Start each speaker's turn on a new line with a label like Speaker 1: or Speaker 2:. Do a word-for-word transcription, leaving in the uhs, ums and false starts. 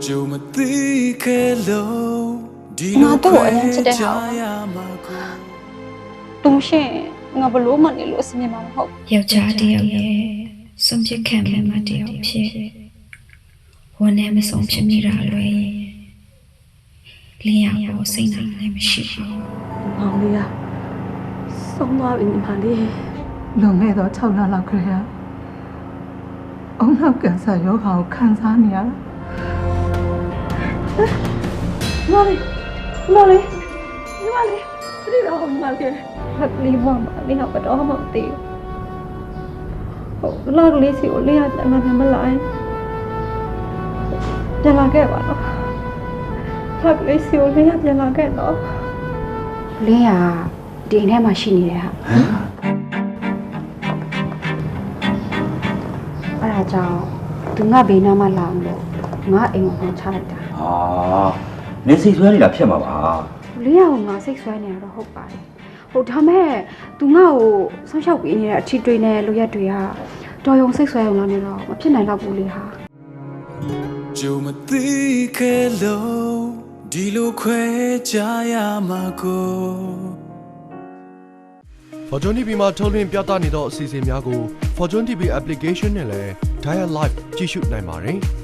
Speaker 1: ငါတို့အရင်ချစ်တဲ့ဟာတုံးရှင်ငါဘလို့မှနေလို့အစမြင်မှာမဟုတ်
Speaker 2: ယောက်ျားတစ်ယောက်ရဲ့စွန့်ပစ်ခံရမှတစ်ယောက်ဖြစ်ဝန်နဲ့မဆုံးဖြစ်မိတာလွယ်လင်းရပေါ်စိတ်နိုင်လည်းမရှိဘူး
Speaker 1: မောင်လေးကဆုံးသွားပြီညီမလေး
Speaker 3: လွန်ခဲ့သော၆လလောက်ခရေအုံနောက်ကင်ဆာရောဂါကိုခံစားနေရတာ
Speaker 1: မောင်လေးမောင်လေးညီမလေးပြည့်တော့ညီမလေးဟက်လီမောင်မလေးကတော့မသိဘူးဟုတ်လောက်ကလေးစီကိုလေးရအမှန်မှမလိုက်ပြန်လာခဲ့ပါတော့လောက်ကလေးစီကိုလေးရပြန်လာခဲ့တော့
Speaker 4: လင်းရဒီအိမ်ထဲမှာရှိနေတယ်ဟာအဲ့ဒါကြောင့်သူငါဘေးနားမှာလာအောင်လို့ငါအိမ်ကိုချလိုက်တာ
Speaker 5: ဟာနေစိတ်ဆွဲနေတာဖြစ်မှာပါ
Speaker 4: လင်းရကိုငါစိတ်ဆွဲနေတာတော့ဟုတ်ပါတယ်ဟုတ်ဒါမဲ့သူငါ့ကိုဆောင်းလျှောက်ပေးနေတဲ့အထီးတွေနဲ့လိုရက်တွေကတော်ရုံစိတ်ဆွဲအောင်လာနေတော့မဖြစ်နိုင်တော့ဘူးလေဟာ
Speaker 6: 就没对开路，地路快加呀嘛个。
Speaker 7: Fortune တီ ဗီ မှာထုတ်လွှင့်ပြသနေသောအစီအစဉ်များကို Fortune တီ ဗီ application နဲ့လည်း Dial Live ကြည့်ရှုနိုင်ပါတယ်။